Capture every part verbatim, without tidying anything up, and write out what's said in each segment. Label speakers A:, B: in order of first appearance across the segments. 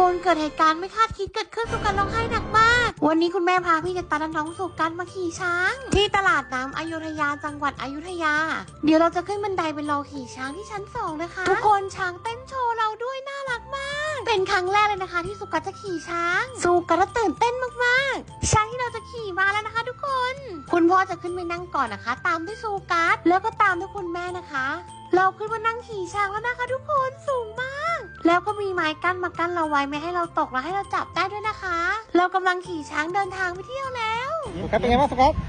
A: คนเกิดเหตุการณ์ไม่คาดคิดเกิดขึ้นสุกันร้องไห้หนักมากวันนี้คุณแม่พาพี่กับตาและน้องสุกันมาขี่ช้างที่ตลาดน้ำอยุธยาจังหวัดอยุธยาเดี๋ยวเราจะขึ้นบันไดไปรอขี่ช้างที่ชั้นสองนะคะทุกคนช้างเต้นโชว์เราด้วยน่ารักมากเป็นครั้งแรกเลยนะคะที่สุกันจะขี่ช้างสุกันตื่นเต้นมากๆช้างที่เราจะขี่มาแล้วนะคะทุกคนคุณพ่อจะขึ้นไปนั่งก่อนนะคะตามด้วยสุกันแล้วก็ตามด้วยคุณแม่นะคะเราขึ้นมานั่งขี่ช้างแล้วนะคะทุกคนสูงมากแล้วก็มีไม้กั้นมากั้นเราไว้ไม่ให้เราตกและให้เราจับได้ด้วยนะคะเรากำลังขี่ช้างเดินทางไปเที่ยวแล้ว
B: ครับเป็นไงบ้างสก๊อต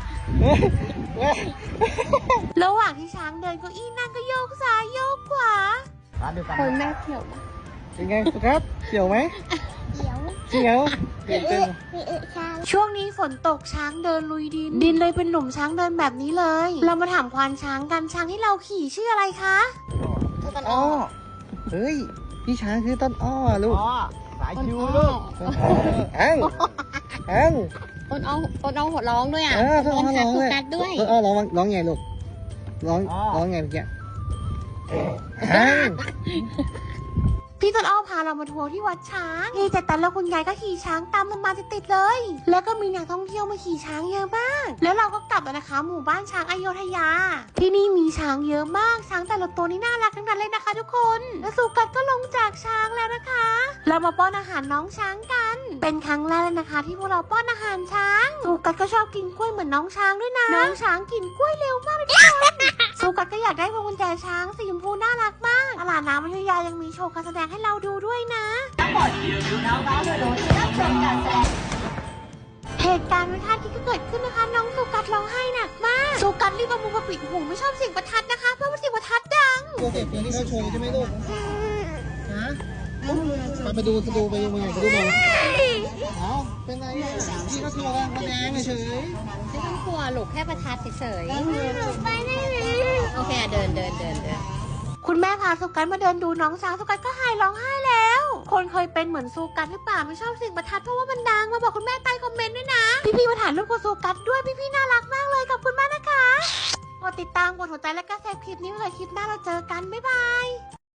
A: ระหว่างที่ช้างเดินเก้าอี้นั่งก็โยกซ้ายโยกขวา
C: คนแม่เขียว
B: เป็นไงสก๊อตเขียวไหม
C: เขียว
B: เขียวเปลี่ยนเป็น
A: ช่วงนี้ฝนตกช้างเดินลุยดินดินเลยเป็นหลุมช้างเดินแบบนี้เลยเรามาถามควานช้างกันช้างที่เราขี่ชื่ออะไรคะ
B: ต้นอ้อเฮ้ยพี่ช้างคือต้นอ้อลูกสายคิวลูกอังอัง
C: ต้นอ้อต้นอ้อหัวร้องด้วยอ่ะ
B: ต้นอ้อร้องด้วยต้นอ้อร้องร้องไงลูกร้องร้องไงเมื่อกี้อัง
A: พี่ต้นอ้อพาเรามาทัวร์ที่วัดช้างนี่แต่ตันแล้วคุณยายก็ขี่ช้างตามเรามาติดๆเลย แล้วก็มีนักท่องเที่ยวมาขี่ช้างเยอะมากแล้วเราก็กลับแล้วนะคะหมู่บ้านช้างอโยธยาที่นี่มีช้างเยอะมากช้างแต่ละตัวนี่น่ารักทั้งนั้นเลยนะคะทุกคนและสุกัดก็ลงจากช้างแล้วนะคะเรามาป้อนอาหารน้องช้างกันเป็นครั้งแรกเลยนะคะที่พวกเราป้อนอาหารช้างสุกัดก็ชอบกินกล้วยเหมือนน้องช้างด้วยนะน้องช้างกินกล้วยเร็วมากเลยทุกคนสุกัดก็อยากได้พวงกุญแจช้างสีชมพูน่ารักมากตลาดน้ำอยุธยายังมีโชว์การแสดงให้เราดูด้วยนะเหตุการณ์ไม่คาดคิดก็เกิดขึ้นนะคะน้องสุกัดร้องไห้หนักมากสุกัดรีบเอามือมาปิดหูไม่ชอบเสียงประทัดนะคะเพราะว่าเสียงประทัดดัง
B: ตัวเด็กตัวนี้เขาโชว์ใช่ไหมลูกฮะไปดูไปดูไปดูมาไปดูมาเอาเป็นไงพี่เขาโชว์การแสดงเฉย
C: ไม่ต้องกลัวลูกแค่ประทัดเฉย
A: ไปได้เลย
C: โอเคเดินเดินเดินเดิน
A: คุณแม่พาสุกันมาเดินดูน้องช้างสุกันก็หายร้องไห้แล้วคนเคยเป็นเหมือนสุกันหรือเปล่าไม่ชอบเสียงประทัดเพราะว่ามันดังมาบอกคุณแม่ใต้คอมเมนต์ด้วยนะพี่ๆมาถ่ายรูปกับสุกันด้วยพี่ๆน่ารักมากเลยขอบคุณมากนะคะกดติดตามกดหัวใจและก็แชร์คลิปนี้เลยคลิปหน้าเราเจอกันบ๊ายบาย